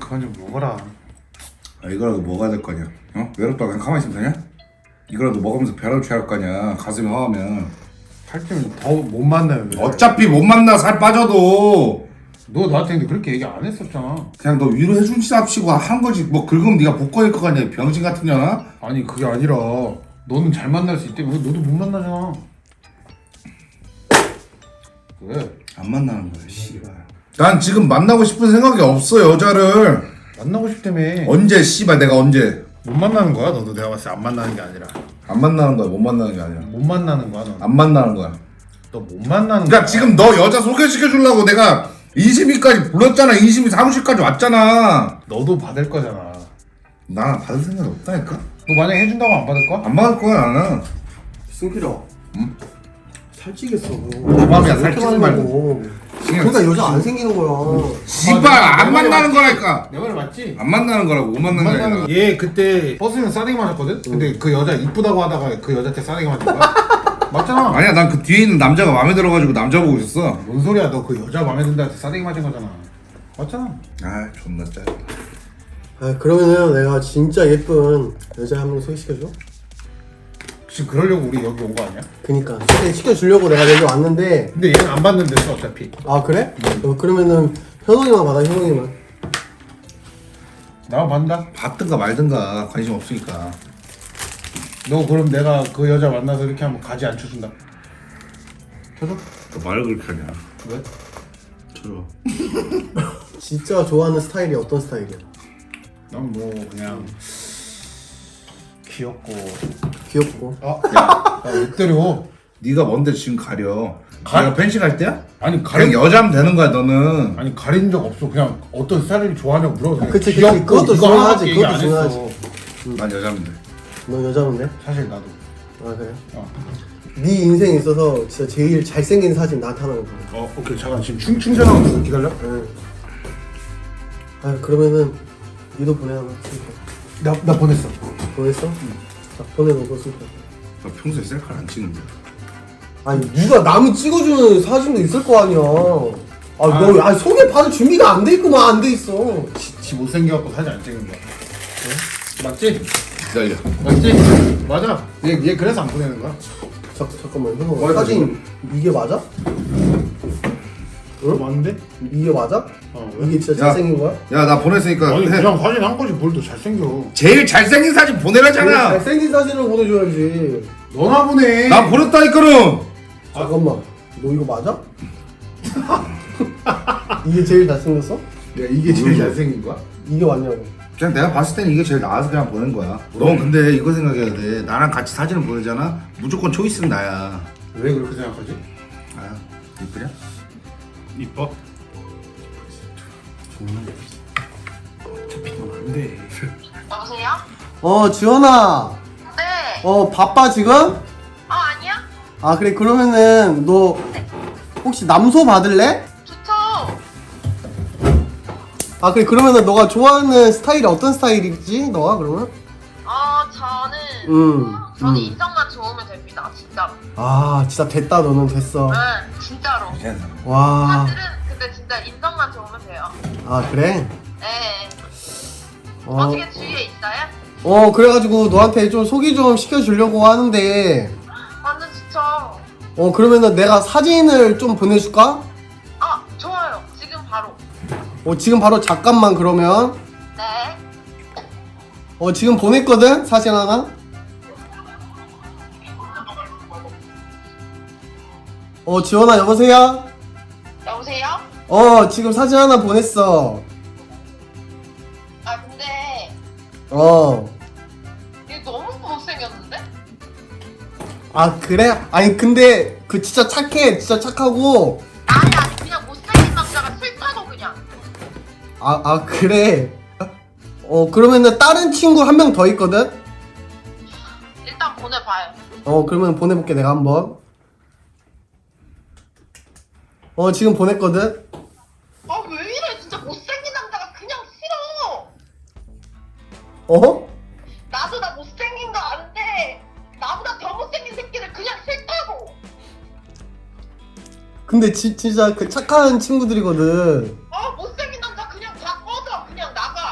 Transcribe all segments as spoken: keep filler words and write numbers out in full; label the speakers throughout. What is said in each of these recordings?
Speaker 1: 그만 좀 먹어라.
Speaker 2: 아, 이거라도 먹어야 될 거 아니야. 어? 외롭다 그냥 가만히 있으면 되냐? 이거라도 먹으면서 벼락을 취할 거 아니야. 가슴이 허하면.
Speaker 1: 살찌면 더 못 만나요. 왜?
Speaker 2: 어차피 못 만나 살 빠져도.
Speaker 1: 너 나한테 근데 그렇게 얘기 안 했었잖아.
Speaker 2: 그냥 너 위로해준 값이고 한 거지. 뭐 긁으면 네가 복권일 거 아니야. 병신 같은 년아?
Speaker 1: 아니 그게 아니라 너는 잘 만날 수 있다며. 너도 못 만나잖아. 왜?
Speaker 2: 안 만나는 거야 씨발. 난 지금 만나고 싶은 생각이 없어 여자를.
Speaker 1: 만나고 싶다며.
Speaker 2: 언제 씨발 내가 언제.
Speaker 1: 못 만나는 거야? 너도 내가 봤을 때 안 만나는 게 아니라
Speaker 2: 안 만나는 거야 못 만나는 게 아니라.
Speaker 1: 못 만나는 거야 너.
Speaker 2: 안 만나는 거야.
Speaker 1: 너 못 만나는
Speaker 2: 그러니까
Speaker 1: 거야.
Speaker 2: 지금 너 여자 소개시켜 주려고 내가 이심이까지 불렀잖아. 이심이 사무실까지 왔잖아.
Speaker 1: 너도 받을 거잖아.
Speaker 2: 나 받을 생각이 없다니까.
Speaker 1: 너 만약에 해준다고 안 받을 거야?
Speaker 2: 안 받을 거야 나는.
Speaker 3: 승필아.
Speaker 2: 응?
Speaker 3: 살찌겠어.
Speaker 2: 내 맘이야, 살찌지 말고.
Speaker 3: 그러니까 여자 안 생기는 거야.
Speaker 2: 씨발
Speaker 1: 아,
Speaker 2: 안
Speaker 1: 내 말이
Speaker 2: 만나는
Speaker 1: 맞지?
Speaker 2: 거라니까.
Speaker 1: 내 말 맞지?
Speaker 2: 안 만나는 거라고. 못 만나는 게
Speaker 1: 만나는
Speaker 2: 아니라.
Speaker 1: 거. 얘 그때 버스는 싸대기 맞았거든? 근데 그 여자 이쁘다고 하다가 그 여자한테 싸대기 맞은 거야? 맞잖아.
Speaker 2: 아니야 난 그 뒤에 있는 남자가 마음에 들어가지고 남자 보고 있었어.
Speaker 1: 뭔 소리야? 너 그 여자 마음에 든다 한테 싸대기 맞은 거잖아. 맞잖아.
Speaker 2: 아 존나 짜.
Speaker 3: 아 그러면은 내가 진짜 예쁜 여자 한 명 소개시켜줘?
Speaker 1: 지금 그러려고 우리 여기 온 거 아니야?
Speaker 3: 그니까 소개시켜주려고 내가 여기 왔는데.
Speaker 1: 근데 얘는 안 받는데서 어차피.
Speaker 3: 아 그래? 어, 그러면은 현웅이만 받아 현웅이만.
Speaker 1: 나만 받는다?
Speaker 2: 받든가 말든가 관심 없으니까.
Speaker 1: 너 그럼 내가 그 여자 만나서 이렇게 하면 가지 안 쳐준다. 쳐줘?
Speaker 2: 또 말을 그렇게 하냐.
Speaker 1: 왜?
Speaker 2: 저러.
Speaker 3: 진짜 좋아하는 스타일이 어떤 스타일이야?
Speaker 1: 난 뭐 그냥 귀엽고.
Speaker 3: 귀엽고.
Speaker 1: 아, 야, 왜 때려?
Speaker 2: 네가 뭔데 지금 가려.
Speaker 1: 가-
Speaker 2: 내가 펜싱 할 때야?
Speaker 1: 아니
Speaker 2: 그냥
Speaker 1: 가린
Speaker 2: 여자면 되는 거야 너는.
Speaker 1: 아니 가린 적 없어. 그냥 어떤 스타일을 좋아하냐고 물어봐.
Speaker 3: 그치, 그치.
Speaker 1: 귀엽고
Speaker 3: 그것도
Speaker 1: 이거
Speaker 3: 중요하지,
Speaker 1: 하나밖에 얘기
Speaker 3: 그것도
Speaker 1: 안
Speaker 3: 중요하지.
Speaker 1: 했어.
Speaker 2: 난 여자면 돼.
Speaker 3: 너 여자인데?
Speaker 1: 사실 나도.
Speaker 3: 아 그래?
Speaker 1: 어.
Speaker 3: 네 인생에 있어서 진짜 제일 잘생긴 사진 나한테 하나 보내.
Speaker 1: 어 오케이 잠깐 지금 충 충전하고 있어. 기다려.
Speaker 3: 응. 아 그러면은 니도 보내 하나.
Speaker 1: 나 나 보냈어.
Speaker 3: 보냈어? 응. 자 보내놓고 슬퍼.
Speaker 2: 나 평소에 셀카를 안 찍는데.
Speaker 3: 아니 누가 남이 찍어주는 사진도 있을 거 아니야. 아 너 아, 소개 받을 준비가 안 돼 있구만. 안 돼 있어.
Speaker 1: 지, 지 못생겨갖고 사진 안 찍는 거야. 응? 맞지?
Speaker 2: 기다려.
Speaker 1: 맞지? 맞아. 얘, 얘 그래서 안 보내는 거야.
Speaker 3: 자, 잠깐만 형
Speaker 2: 뭐야,
Speaker 3: 사진 이게 맞아?
Speaker 1: 응? 맞는데?
Speaker 3: 이게 맞아?
Speaker 1: 어 왜?
Speaker 3: 이게 진짜
Speaker 2: 야.
Speaker 3: 잘생긴 거야?
Speaker 2: 야 나 보냈으니까
Speaker 1: 아니
Speaker 2: 해.
Speaker 1: 그냥 사진 한 거지 뭘 더 잘생겨.
Speaker 2: 제일 잘생긴 사진
Speaker 3: 그래,
Speaker 2: 보내라잖아.
Speaker 3: 잘생긴 사진을 보내줘야지.
Speaker 1: 너나 보내.
Speaker 2: 나 보냈다니까는.
Speaker 3: 잠깐만 너 이거 맞아? 이게 제일 잘생겼어?
Speaker 1: 야 이게 제일 잘생긴 거야?
Speaker 3: 이게 맞냐고.
Speaker 2: 그냥 내가 봤을 때는 이게 제일 나아서 그냥 보낸 거야. 넌 근데 이거 생각해야 돼. 나랑 같이 사진을 보내잖아. 무조건 초이스는 나야.
Speaker 1: 왜 그렇게 생각하지?
Speaker 2: 아 이쁘냐?
Speaker 1: 이뻐?
Speaker 2: 안돼.
Speaker 4: 여보세요?
Speaker 3: 어 지원아.
Speaker 4: 네.
Speaker 3: 어 바빠 지금?
Speaker 4: 어, 아니야?
Speaker 3: 아 그래 그러면은 너 혹시 남소 받을래?
Speaker 4: 좋죠.
Speaker 3: 아 그래 그러면은 너가 좋아하는 스타일이 어떤 스타일이지? 너가 그러면?
Speaker 4: 어, 저는
Speaker 3: 음,
Speaker 4: 저는
Speaker 3: 음.
Speaker 4: 인성만 좋으면 됩니다. 진짜로.
Speaker 3: 아 진짜 됐다 너는 됐어.
Speaker 4: 네, 진짜로.
Speaker 3: 와.
Speaker 4: 사실은 근데 진짜 인성만 좋으면 돼요.
Speaker 3: 아 그래?
Speaker 4: 네.
Speaker 3: 어.
Speaker 4: 어떻게 주위에 있어요?
Speaker 3: 어 그래가지고 너한테 좀 소개 좀 시켜주려고 하는데
Speaker 4: 완전 좋죠.
Speaker 3: 어 그러면은 내가 사진을 좀 보내줄까?
Speaker 4: 아, 좋아요. 지금 바로.
Speaker 3: 어 지금 바로 잠깐만 그러면
Speaker 4: 네.
Speaker 3: 어 지금 보냈거든 사진 하나. 어 지원아 여보세요?
Speaker 4: 여보세요?
Speaker 3: 어 지금 사진 하나 보냈어.
Speaker 4: 아, 근데
Speaker 3: 어.
Speaker 4: 얘 너무 못생겼는데?
Speaker 3: 아 그래? 아니 근데 그 진짜 착해 진짜 착하고.
Speaker 4: 아니, 아니, 그냥 못생긴 남자가 싫다고 그냥.
Speaker 3: 아 아 그래. 어 그러면은 다른 친구 한 명 더 있거든.
Speaker 4: 일단 보내봐요.
Speaker 3: 어 그러면 보내볼게 내가 한번. 어 지금 보냈거든.
Speaker 4: 아, 왜 이래? 진짜 못생긴 남자가 그냥 싫어.
Speaker 3: 어?
Speaker 4: 나도 나 못생긴 거 아는데 나보다 더 못생긴 새끼를 그냥 싫다고.
Speaker 3: 근데 지, 진짜 그 착한 친구들이거든.
Speaker 4: 아, 못생긴 남자 그냥 다 꺼져. 그냥 나가.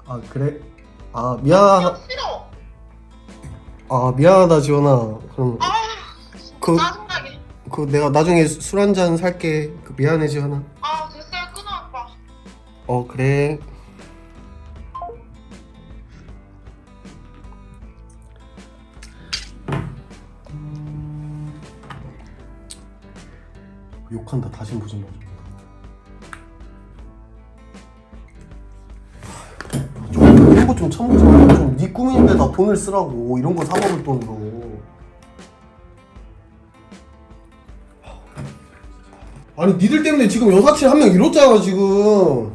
Speaker 3: 아 그래? 아 미안
Speaker 4: 그냥 싫어.
Speaker 3: 아 미안하다 지원아. 그럼
Speaker 4: 아
Speaker 3: 그,
Speaker 4: 짜증나게.
Speaker 3: 그 내가 나중에 술 한 잔 살게. 그 미안해 지원아.
Speaker 4: 아 됐어요 끊어 아빠.
Speaker 3: 어 그래. 욕한다. 다신 보지 마. 좀 이런 거 좀 참고 좀. 좀네 꿈인데 다 돈을 쓰라고. 이런 거 사 먹을 돈으로. 아니 니들 때문에 지금 여사친 한 명 잃었잖아 지금.